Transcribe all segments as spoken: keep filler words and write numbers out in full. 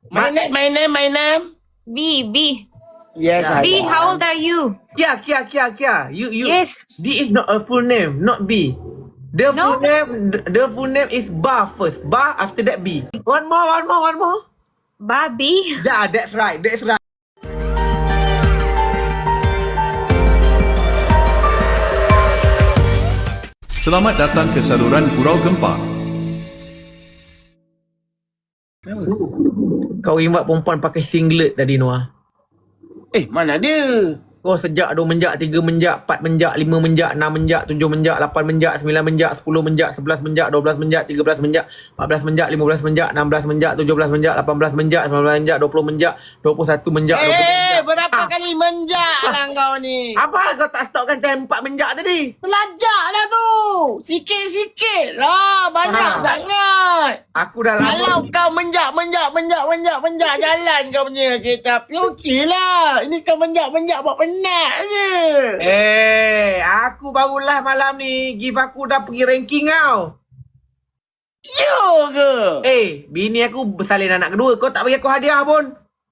My name, my name, my name. B, B. Yes, Yeah. I B, am. how old are you? Kia, Kia, Kia, Kia. You, you. Yes. D is not a full name, not B. The No? full name, the full name is Ba first. Ba after that B. One more, one more, one more. Bobby. Yeah, that's right, that's right. Selamat datang ke saluran Gurau Gempa. Kau invite perempuan pakai singlet tadi, Noah. Eh, mana dia? Kau sejak dua menjak, tiga menjak, empat menjak, lima menjak, enam menjak, tujuh menjak, lapan menjak, sembilan menjak, sepuluh menjak, sebelas menjak, dua belas menjak, tiga belas menjak, empat belas menjak, lima belas menjak, enam belas menjak, tujuh belas menjak, lapan belas menjak, sembilan belas menjak, dua puluh menjak, dua puluh satu menjak, dua puluh Eh, menjak. berapa Ah. kali menjak lah kau ni? Apa kau tak stopkan time empat menjak tadi? Belajar dah tu. Sikit-sikit lah. Banyak Ah. sangat. Aku dah lama. Kalau kau menjak, menjak, menjak, menjak, menjak jalan kau punya kereta api, okey lah. Ini kau menjak, menjak buat penat je. Eh, aku barulah malam ni give aku dah pergi ranking kau. Yo ke? Eh, bini aku bersalin anak kedua. Kau tak bagi aku hadiah pun.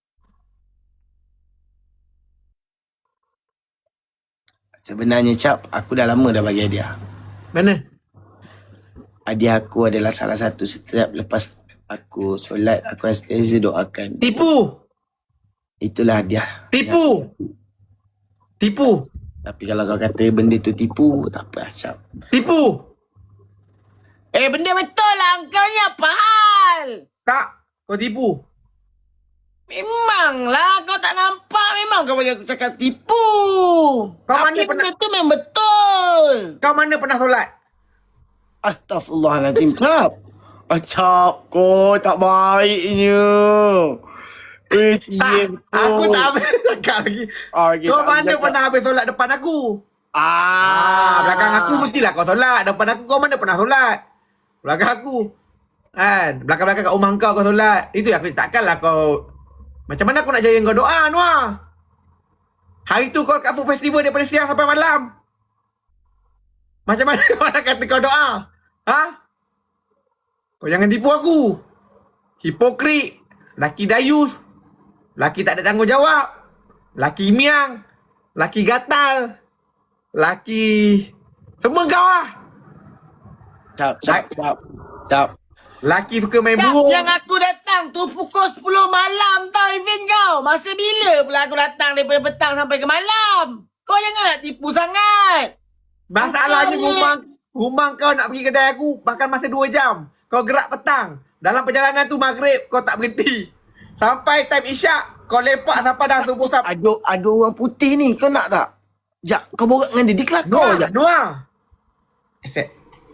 Sebenarnya Cap, aku dah lama dah bagi hadiah. Mana? Hadiah aku adalah salah satu setiap lepas aku solat, aku sentiasa doakan. Tipu. Itulah hadiah. Tipu. Tipu. Tapi kalau kau kata benda tu tipu, tak apa Cap. Tipu. Eh, benda betul lah. Kau ni apa hal? Tak. Kau tipu. Memanglah kau tak nampak. Memang kau bagi aku cakap tipu. Kau Tapi mana benda pernah- tu memang betul. Kau mana pernah solat? Astaghfirullahaladzim, Cap. Ah, Cap, kau tak baiknya. Eh, cie betul. Aku tak habis cakap lagi. Ah, okay, Kau tak mana boleh pernah habis solat depan aku? Ah, Ah, belakang aku mestilah kau solat. Depan aku kau mana pernah solat? Belakang aku. Kan? Belakang-belakang kat rumah kau kau solat. Itu aku takkanlah kau. Macam mana aku nak jaya kau doa, Noah? Hari tu kau kat food festival daripada siang sampai malam. Macam mana kau nak kata kau doa? Ha? Kau jangan tipu aku. Hipokrit. Laki dayus. Laki tak ada tanggungjawab. Laki miang. Laki gatal. Laki... Semua kau lah. Cap, Cap, Cap, Cap. Laki suka main Cap, burung. yang aku datang tu pukul sepuluh malam tau event kau. Masa bila pula aku datang daripada petang sampai ke malam? Kau jangan nak tipu sangat. Masalahnya Kau ni- rumah rumah kau nak pergi kedai aku bahkan masa dua jam. Kau gerak petang. Dalam perjalanan tu maghrib kau tak berhenti. Sampai time isyak kau lepak sampai dah subuh sampai. Ada ada orang putih ni, kau nak tak? Jak, kau borak dengan dia, dia kelakar je. Dua. Dua. Accept.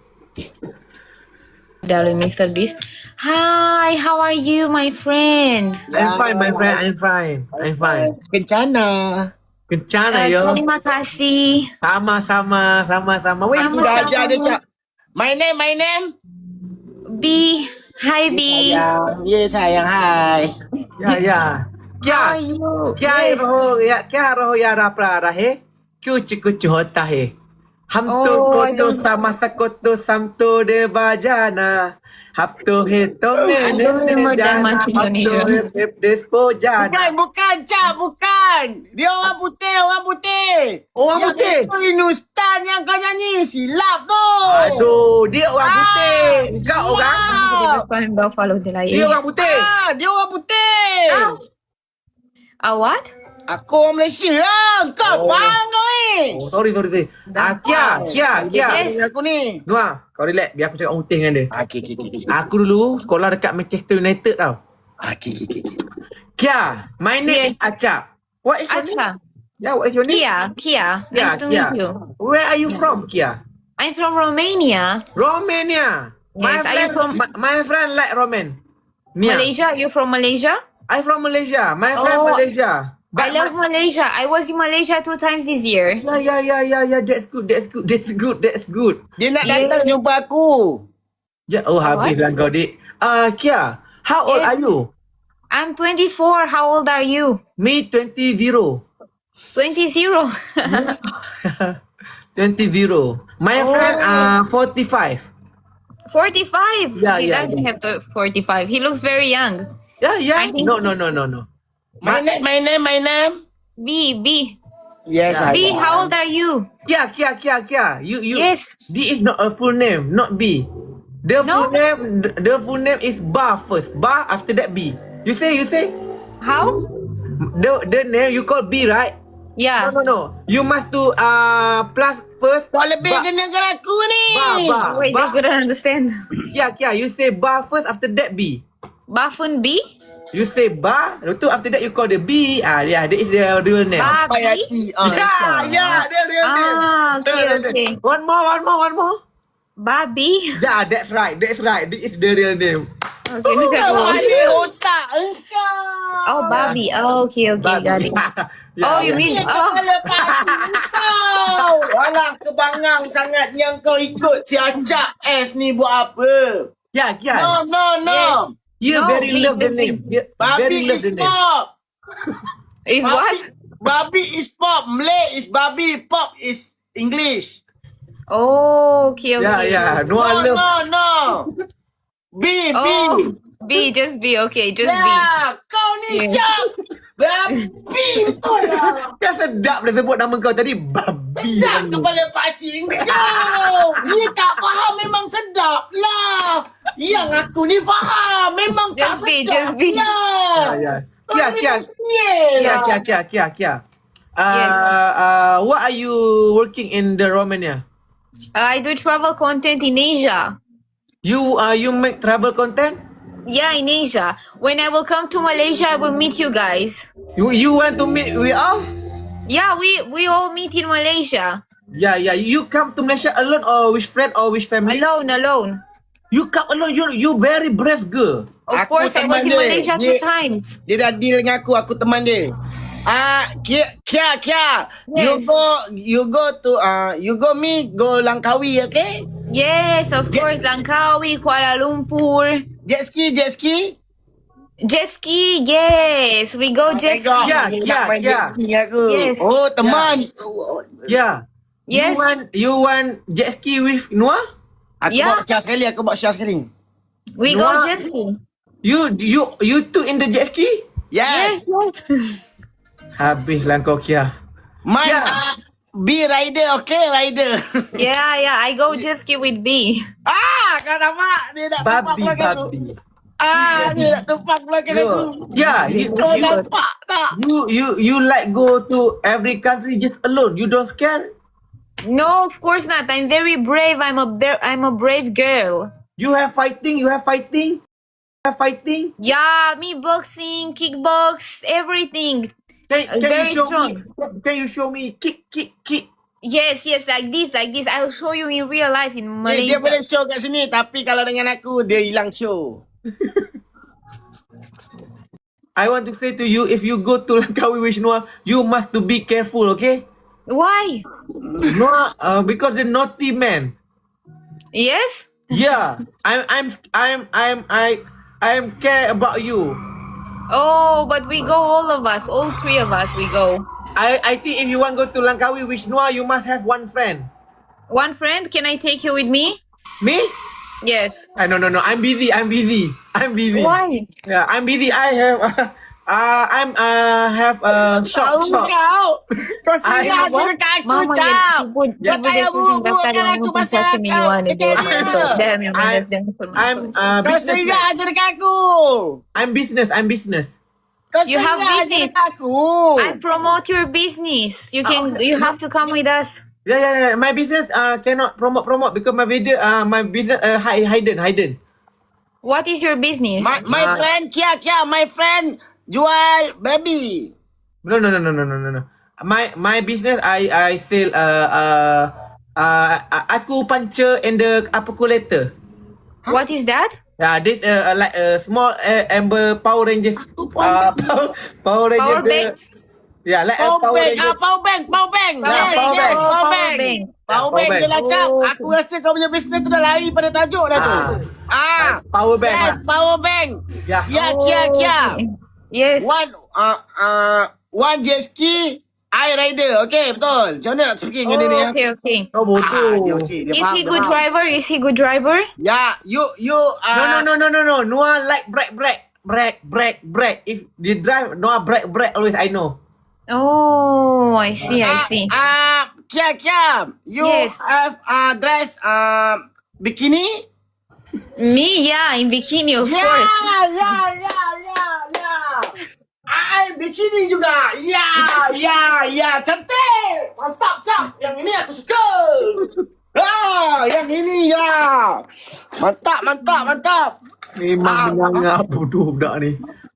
Darling Mister Beast. Hi, how are you, my friend? I'm fine my friend. I'm fine. I'm fine. Kencana. Kencana Uh, yo. terima kasih. Sama-sama. Sama-sama. Wait. Aku dah ajar dia, Cap. My name, my name. B. Hi, B. Sayang. Ya, sayang. Hai. Ya ya. How Kya? are you? क्या Yes. रहो या क्या रहो यारा प्यारा है कुछ कुछ होता है हम तो Oh, को I तो don't- sama sako to sam to de bajana hap to he to me I don't remember that much Indonesian. Bukan, jana bukan, Cap. Bukan. Dia orang putih, orang putih. Orang yang putih? Itu Inustan yang kau nyanyi. Silap tu. aduh dia orang Ah, putih kau orang wow. Bukan Buffalo de la dia orang putih Ah, dia orang putih. Ah, what? Aku orang Malaysia lah. Kau Oh. faham kau ni? oh sorry sorry sorry ah Kia Kia Kia Yes. Aku ni. Noah kau relax biar aku cakap orang putih dengan dia Ah, okay, okay, okay. aku dulu sekolah dekat Manchester United tau Ah, okay, okay, okay. Kia my name Yes. is Acap what is your name Acha. yeah what is your name Kia. Kia. Yeah, Nice to Kia. meet you. Where are you from, Kia? I'm from Romania. Romania. My Yes, are you friend, from- my, my friend like Roman. Nia. Malaysia? You from Malaysia? I from Malaysia. My friend Oh, Malaysia. I love my, Malaysia. I was in Malaysia two times this year. yeah, yeah, yeah, yeah, yeah. That's good. That's good. That's good. That's good. Dia nak Yeah. datang jumpa aku. Yeah. Oh, habis lah kau dik. Ah, uh, Kia. How old Yes. are you? I'm twenty-four. How old are you? Me twenty zero. twenty zero. Twenty zero. My Oh. friend uh forty five. forty-five. Yeah, he yeah, doesn't yeah. have to forty-five. He looks very young. Yeah, yeah. I think- No, no, no, no, no. My name, my name, my name. B, B. Yes, Yeah. I B, am. how old are you? Kia, Kia, Kia, Kia. You, you. Yes. B is not a full name, not B. The No? full name, the- the full name is Ba first. Ba after that B. You say, you say. How? The the name you call B, right? Yeah. No, no, no. You must do uh plus first. Kau lebih Ba- kena dengan aku ni. Ba, ba. Wait, ba. I couldn't understand. Kia, Kia. You say Ba first after that B. Bafun B? You say Ba, lepas tu after that you call the B. Ah, yeah, that is the real name. Ba Sampai B? hati. Ah, Yeah, Aisyah. yeah, the real name. Ah, okay, The real okay. name. One more, one more, one more. Babi? Yeah, that's right, that's right. This is the real name. Okay, look at Kau me. balik otak engkau. Oh, Babi. Oh, okay, okay, got it. Yeah, Oh, you yeah. mean- Dia Oh. kepala pakcik kau. Alah, kebangang sangat yang kau ikut si Acak S ni buat apa? Yeah, yeah. No, no, no. You No, very me, love the me, name. You very Babi love is the name. pop. Is what? Babi is pop. Malay is babi. Pop is English. Oh, okay, Yeah, okay. yeah. No, No, I love. no, no. B, B. Oh, B, just B. Okay, just B. Ya, kau ni Yeah. Cak. Babi betul lah. Kan sedap dah sebut nama kau tadi. Babi. Tak kepala pakcik kau. Dia tak faham memang sedap lah. Yang aku ni faham. Memang tak Just be, sedap just be. lah. Yeah, yeah. Kia, Kia. Yeah, Kia, Kia, Kia, Kia, Kia. Uh, Yes. uh, what are you working in the Romania? I do travel content in Asia. You uh, you make travel content? Yeah, in Asia. When I will come to Malaysia, I will meet you guys. You you want to meet we all? Yeah, we we all meet in Malaysia. Yeah, yeah. You come to Malaysia alone or with friend or with family? Alone, alone. You come alone. You you very brave girl. Of Aku course, I teman was in dia. Malaysia two Dia- times. Dia dah deal dengan aku. Aku teman dia. Ah, Kia, Kia, Kia. You Yes. go, you go to, ah, you go me, go Langkawi, okay? Yes, of Yeah. course, Langkawi, Kuala Lumpur. Jet ski, jet ski. Jet ski, yes. We go jet ski. Tengok. Yeah, Dia yeah, nak main yeah. jet ski dengan aku. Yes. Oh, teman. Yeah. Yes. You want you want jet ski with Noah? Aku Yeah. bawa share sekali, aku bawa share sekali. We Noah. go jet ski. You you you two in the jet ski? Yes. Yes, yes. Habislah kau Kia. My Yeah. ah, B rider, okay, rider. Yeah, yeah. I go jet ski with B. ah, kau nampak? Dia nak tumpak Babi belakang aku. babi. Ah, dia nak tumpak belakang aku. Yeah, you, Kau you, nampak tak? you you you like go to every country just alone. You don't scare? No, of course not. I'm very brave. I'm a ber- I'm a brave girl. You have fighting, you have fighting? You have fighting? Yeah, me boxing, kickbox, everything. Can, Uh, can you very show strong. me? Can you show me kick kick kick? Yes, yes, like this, like this. I'll show you in real life in Dia, dia Malaysia. boleh show kat sini, tapi kalau dengan aku, dia hilang show. I want to say to you, if you go to Langkawi with Noah, you must to be careful, okay? Why? Noah, uh, because the naughty man. Yes? Yeah, I'm I'm I'm I'm I I'm care about you. Oh, but we go, all of us, all three of us, we go. I I think if you want go to Langkawi with Noah, you must have one friend. One friend, can I take you with me? Me? Yes. I no no no. I'm busy. I'm busy. I'm busy. Why? Yeah, I'm busy. I have uh, I'm uh have a shop Tahu shop. kau. Kau I singgah have je what? dekat aku, Mama Cap. yang sibuk Kau dia payah buruk-burukkan aku pasal kau. Damn, yang I'm I'm uh Kau business. singgah je dekat aku. I'm business. I'm business. Kau You have singgah je business. dekat aku. I promote your business. You can, you have to come with us. Yeah yeah yeah. My business uh cannot promote promote because my video uh my business uh hi- hidden hidden. What is your business? My, my Ah. friend, Kia, Kia, my friend jual baby. No no no no no no no no. My my business I I sell uh uh uh aku puncher and the calculator. What is that? Yeah, this uh, uh, like a uh, small uh, Amber Power Rangers. Uh, Power, Power Rangers. Power the- banks? Yeah, like Power a Power bank, Rangers. ah, power bank, power bank. Power Yes, bank. yes, Power power bank. bank. Power bank. Power Power bank bank. je lah, Cap. Oh, Aku rasa kau punya bisnes tu dah lari pada tajuk dah tu. Ah. Power bank Yes, lah. power bank. Yeah. Ya, Kia, Kia. Okay. Yes. One, uh, uh, one jet ski, I rider. Okay, betul. Macam mana nak speaking dengan dia ni? Oh, ya? okay, okay. Oh, Ah, bodoh. dia okey, dia Is faham, he dia good faham. driver? Is he good driver? Ya, you, you, uh, No, no, no, no, no, no. Noah like bright, bright. brake, brake, brake. If they drive, no brake, brake. Always I know. Oh, I see, I see. Ah, Kia, Kia, you Yes. have uh, dress uh, bikini? Me, yeah, in bikini, of Ya, course. ya, ya, ya, ya. I bikini juga. Ya, ya, ya. Cantik. Mantap, cap. Yang ini aku suka. Ah, yang ini ya. Mantap, mantap, mantap. Memang menyangat bodoh budak ni.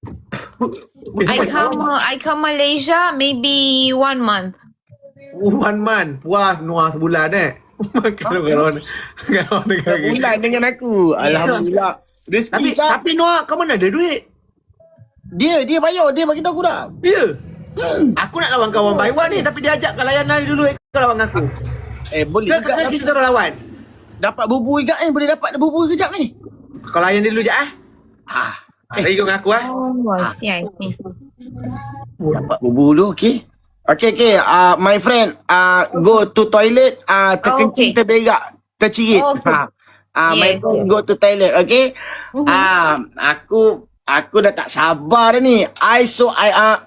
I come, uh, I come Malaysia maybe one month. One month. Puas Noah sebulan eh. Kalau kalau kalau dengan Bulan dengan aku. Alhamdulillah. Tapi Rezeki, cap. tapi Noah kau mana ada duit? Dia, dia bayar. Dia bagi tahu aku dah. Ya. Aku nak lawan kawan by one ni tapi dia ajak kau layan hari dulu kau lawan aku. Eh, boleh Ke juga. ke kita orang lawan. Dapat bubur juga eh. Boleh dapat bubur kejap ni. Kau layan dia dulu je ah. Ah, Eh, lagi kau dengan aku ah. Oh, I see, I see. dapat bubur dulu, okey. Okey, okey. Uh, my friend, uh, go to toilet, uh, terkencing, Okay. terberak, tercirit. Okay. Ha. Uh, my Yes, friend, yes. go to toilet, okey? Mhm. Ah, aku, aku dah tak sabar dah ni. I so, I, uh,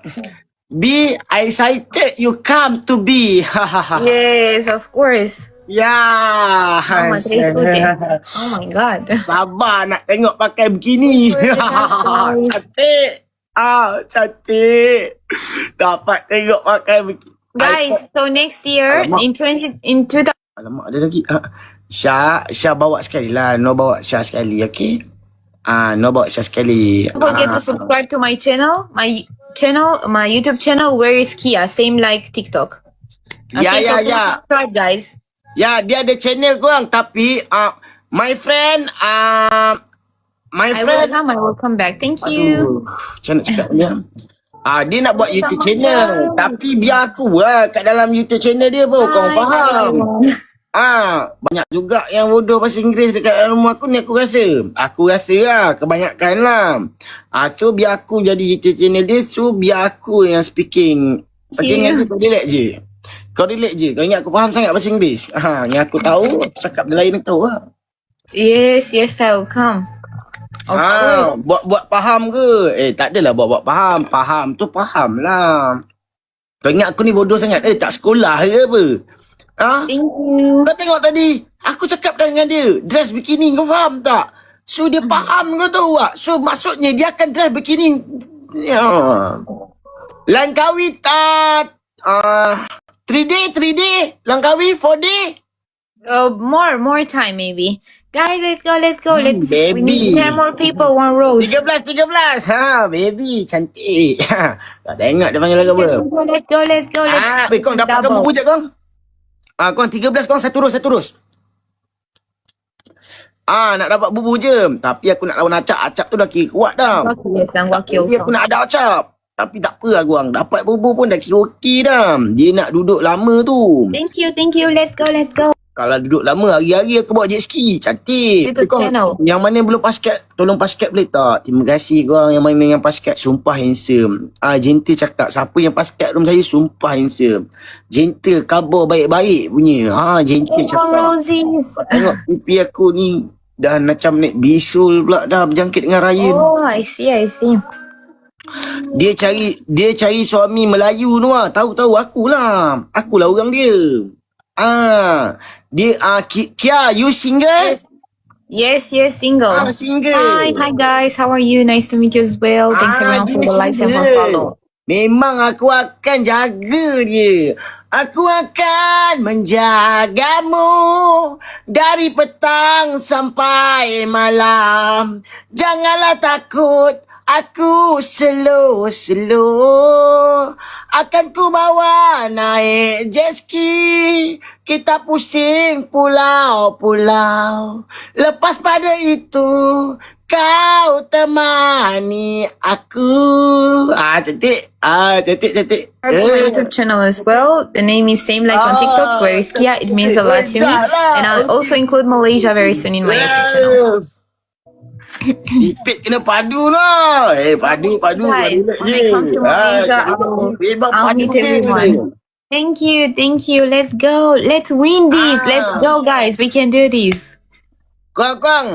be excited you come to be. Yes, of course. Ya. Oh, my God. Oh my God. Sabar nak tengok pakai begini. Betul. Cantik. Ah, cantik. Dapat tengok pakai begini. Guys, so next year Alamak. in twenty in two thousand. Alamak, ada lagi. Ah, Syah, Syah bawa sekali lah. No bawa Syah sekali, okay? Ah, no bawa Syah sekali. Don't forget Ah, to subscribe to my channel, my channel, my YouTube channel. Where is Kia? Same like TikTok. Ya, Okay, ya, so please ya. subscribe, guys. Ya, dia ada channel korang. Tapi, ah, my friend, ah, my I will friend. come. I will come back. Thank you. Aduh, macam nak cakap ni? ah? Ah, dia nak buat YouTube channel. Tapi biar aku lah kat dalam YouTube channel dia pun. Kau Hi, faham? everyone. Ah, banyak juga yang bodoh bahasa Inggeris dekat dalam rumah aku ni, aku rasa. Aku rasa lah, kebanyakan lah. Ah, so biar aku jadi YouTube channel dia, so biar aku yang speaking. Okay, Yeah. dengan kau relax je. Kau relax je. Kau ingat aku faham sangat bahasa Inggeris. Ah, yang aku tahu, aku cakap dia lain aku tahu lah. Yes, yes, I will come. Of course. Ah, buat-buat faham ke? Eh, tak adalah buat-buat faham. Faham tu faham lah. Kau ingat aku ni bodoh sangat? Eh, tak sekolah ke apa? Ah? Thank you. Kau tengok tadi, aku cakap dah dengan dia, dress bikini, kau faham tak? So dia faham kau tahu tak? So maksudnya dia akan dress bikini. Ya. Langkawi tak uh, three day, three day, Langkawi four day. Uh, more, more time maybe. Guys, let's go, let's go. Let's. We baby. need ten more people. One rose. tiga belas, tiga belas. Ha, baby, cantik. Ha, tak tengok dia panggil lagu apa. Let's go, let's go, let's go. Let's Ah, baik, kau dapatkan double. bubu je kau. Ah, kau tiga belas kau satu terus, satu terus. Ah, nak dapat bubu je. Tapi aku nak lawan acap. Acap tu dah kira kuat dah. Okay, yes, I'm walking Jadi aku also. nak ada acap. Tapi tak apa lah korang. Dapat bubu pun dah kira okey dah. Dia nak duduk lama tu. Thank you, thank you. Let's go, let's go. Kalau duduk lama, hari-hari aku bawa jet ski. Cantik. YouTube Tapi korang, channel. yang mana belum paskat, tolong paskat boleh tak? Terima kasih korang yang mana yang paskat. Sumpah handsome. Ah, gentle cakap. Siapa yang paskat room saya, sumpah handsome. Gentle, kabar baik-baik punya. Ah, gentle Hey, cakap. roses. Tengok pipi aku ni dah macam naik bisul pula dah berjangkit dengan Ryan. Oh, I see, I see. Dia cari dia cari suami Melayu tu ah. Tahu-tahu akulah. Akulah orang dia. Ah, dia ah Ki- Kia, you single? Yes, yes, single. Ah, single. Hi, hi guys. How are you? Nice to meet you as well. Thanks Ah, everyone for dia the likes and for single. follow. Memang aku akan jaga dia. Aku akan menjagamu dari petang sampai malam. Janganlah takut, aku slow-slow. Akan ku bawa naik jet ski. Kita pusing pulau-pulau. Lepas pada itu, kau temani aku. Ah, cantik. Ah, cantik, cantik. Subscribe to my YouTube channel as well. The name is same like on TikTok, where is Kia. It means a lot to me. And I'll also include Malaysia very soon in my YouTube channel. Pipit kena padu lah. Eh, padu, padu. Guys, padu when I come to Malaysia, I will- memang I'll padu meet je. everyone. Thank you, thank you. Let's go. Let's win this. Ah. Let's go, guys. We can do this. Korang-korang,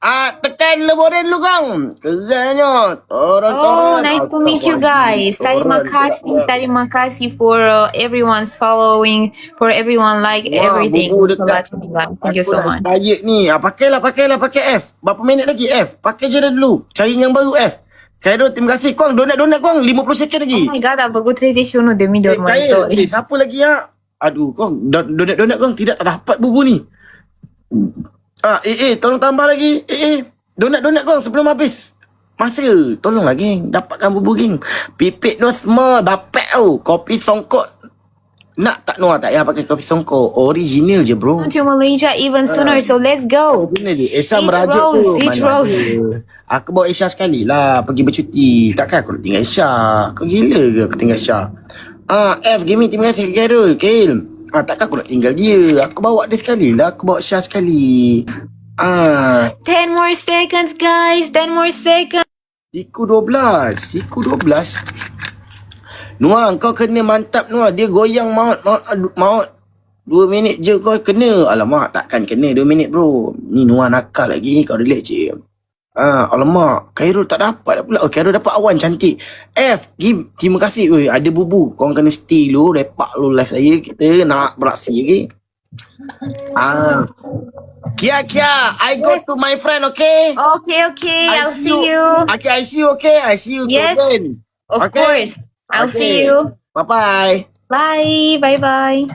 Ah, tekan leboren lu kang. Kerennya. Oh, nice to meet you guys. Terima kasih, terima kasih for uh, everyone's following, for everyone like Wah, everything. bubu dekat. Thank you so much. Baik ni. Ah, pakailah, pakailah, pakai F. Berapa minit lagi F? Pakai je dah dulu. Cari yang baru F. Khairul, terima kasih. Kuang, donat-donat kuang. lima puluh second lagi. Oh my god, apa good tradition demi Eh, dormai Khairul. Eh, siapa lagi ya? Aduh, kuang. don- Donat-donat kuang tidak dapat bubu ni. Ah, eh, eh, tolong tambah lagi. Eh, eh. Donat-donat kuang sebelum habis. Masa, tolonglah geng. Dapatkan bubu geng. Pipit no semua. Dapat tau. Kopi songkok. Nak tak Noah tak payah pakai kopi songkok. Original je bro. to Malaysia even sooner, so let's go. Original je. Esha Each merajuk rose, tu. each Mana rose. ada. Aku bawa Esha sekali lah. Pergi bercuti. Takkan aku nak tinggal Esha. Kau gila ke aku tinggal Esha? Ah, F, Gaming terima kasih Khairul. Khail. Ah, takkan aku nak tinggal dia. Aku bawa dia sekali lah. Aku bawa Esha sekali. Ah, ten more seconds, guys. ten more seconds. Siku dua belas. Siku dua belas. Noah, kau kena mantap Noah. Dia goyang maut, maut, aduh, maut. Dua minit je kau kena. Alamak, takkan kena dua minit bro. Ni Noah nakal lagi. Kau relax je. Ah, alamak. Khairul tak dapat pula. Oh, Khairul dapat awan cantik. F, give. Terima kasih. Oi, ada bubu. Kau kena stay dulu. Repak lu live saya. Kita nak beraksi lagi. Ah. Kia, Kia. I go to my friend, okay? Okay, okay. I'll see you. Okay, I see you, okay? I see you Yes. again. Of Okay. course. I'll Okay. see you. Bye-bye. Bye. Bye-bye.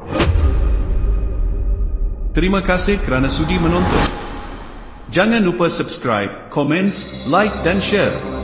Terima kasih kerana sudi menonton. Jangan lupa subscribe, komen, like dan share.